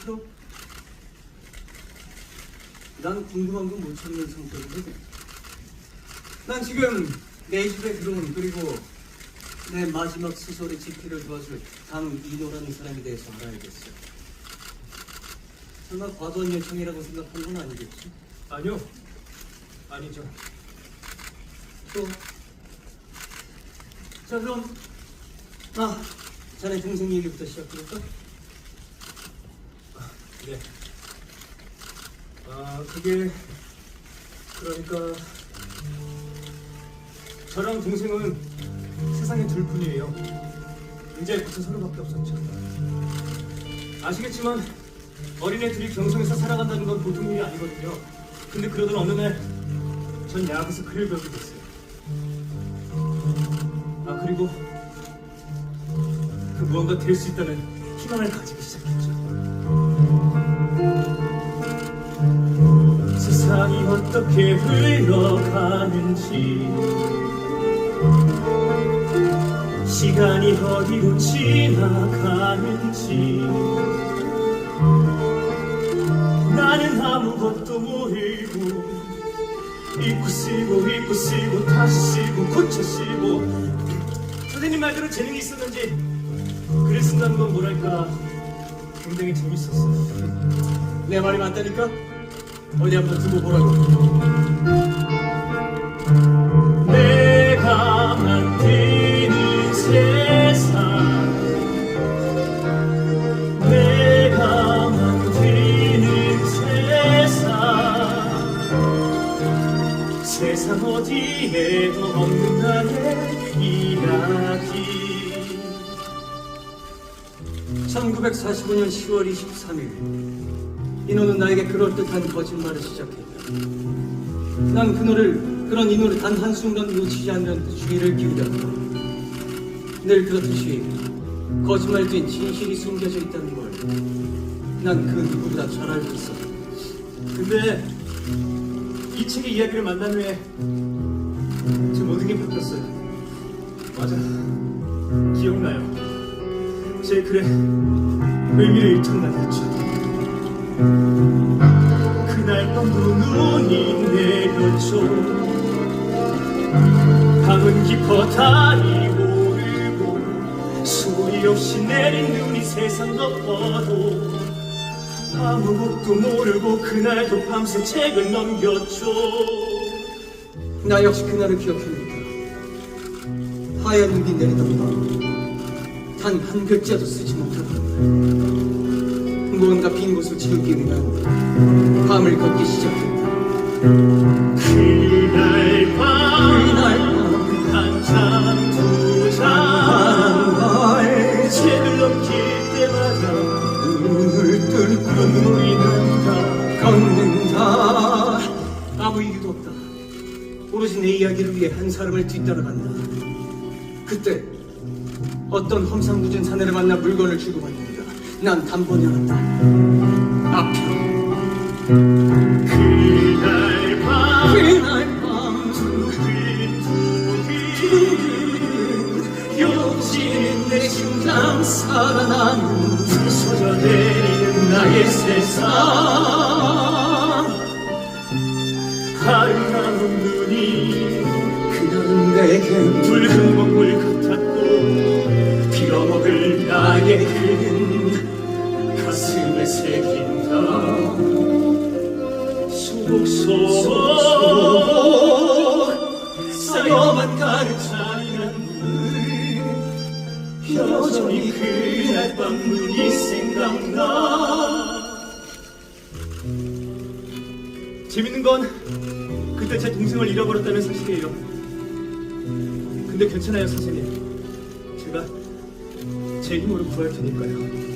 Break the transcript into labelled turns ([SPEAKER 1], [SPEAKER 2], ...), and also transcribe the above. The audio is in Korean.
[SPEAKER 1] 싫어? 난 궁금한 건 못 찾는 상태거든. 난 지금 내 집에 들어온, 그리고 내 마지막 소설의 집필을 도와줄 강인호라는 사람에 대해서 알아야겠어. 설마 과도한 요청이라고 생각한 건 아니겠지?
[SPEAKER 2] 아니요. 아니죠.
[SPEAKER 1] 또. 자, 그럼 자네 동생 얘기부터 시작해볼까?
[SPEAKER 2] 네. 그게 그러니까 저랑 동생은 세상에 둘뿐이에요. 이제 벌써 서로밖에 없었죠. 아시겠지만 어린애 둘이 경성에서 살아간다는 건 보통 일이 아니거든요. 근데 그러던 어느 날 전 야구에서 글을 배우게 됐어요. 그리고 그 무언가 될 수 있다는 희망을 가지기 시작했죠. 세상이 어떻게 흘러가는지, 시간이 어디로 지나가는지 나는 아무것도 모르고 잊고 쓰고 다시 쓰고 고쳐 쓰고. 선생님 말대로 재능이 있었는지 글을 쓴다는 건 뭐랄까 굉장히 재밌었어요.
[SPEAKER 1] 내 말이 맞다니까? 어디 한번 두고 보라고.
[SPEAKER 2] 내가 만드는 세상, 내가 만드는 세상 어디에도 없는 나의 이야기.
[SPEAKER 1] 1945년 10월 23일 인호는 나에게 그럴듯한 거짓말을 시작했다. 난 그런 인호를 단 한순간 놓치지 않는 주의를 기울였다. 늘 그렇듯이 거짓말 뒤엔 진실이 숨겨져 있다는 걸 난 그 누구보다 잘 알고 있었다.
[SPEAKER 2] 근데 이 책의 이야기를 만난 후에 제 모든 게 바뀌었어요. 맞아, 기억나요. 제 글에 의미를 잃던가 했죠. 그날 밤도 눈이 내렸죠. 밤은 깊어다니 모르고 소리 없이 내린 눈이 세상 덮어도 아무것도 모르고 그날도 밤새 책을 넘겼죠.
[SPEAKER 1] 나 역시 그날을 기억합니다. 하얀 눈이 내리던 밤, 단 한 글자도 쓰지 못하던 날, 무언가 빈 곳을 채우기 위한 밤을 걷기 시작했다.
[SPEAKER 2] 그날 밤 한참 두장 책을 넘길 때마다
[SPEAKER 1] 눈을 뚫고
[SPEAKER 2] 눈물이 난다.
[SPEAKER 1] 걷는다. 아무 이유도 없다. 오로지 내 이야기를 위해 한 사람을 뒤따라간다. 그때 어떤 험상궂은 사내를 만나 물건을 주고받는다. 난 단번에 알았다. 아편.
[SPEAKER 2] 그날 밤
[SPEAKER 1] 그날 밤
[SPEAKER 2] 두근두근
[SPEAKER 1] 여지는 내 심장 살아나는
[SPEAKER 2] 부서져 내리는 나의 세상. 아름다운 눈이
[SPEAKER 1] 그날은 내게
[SPEAKER 2] 붉은 먹물 같았고 빌어먹을 나의 글은 가슴에 새긴다. 속속 쌓여만 가는 잔인한 물, 여전히 그날 밤 눈이 생각나. 재밌는 건 그때 제 동생을 잃어버렸다는 사실이에요. 근데 괜찮아요, 선생님. 제가 제 힘으로 구할 테니까요.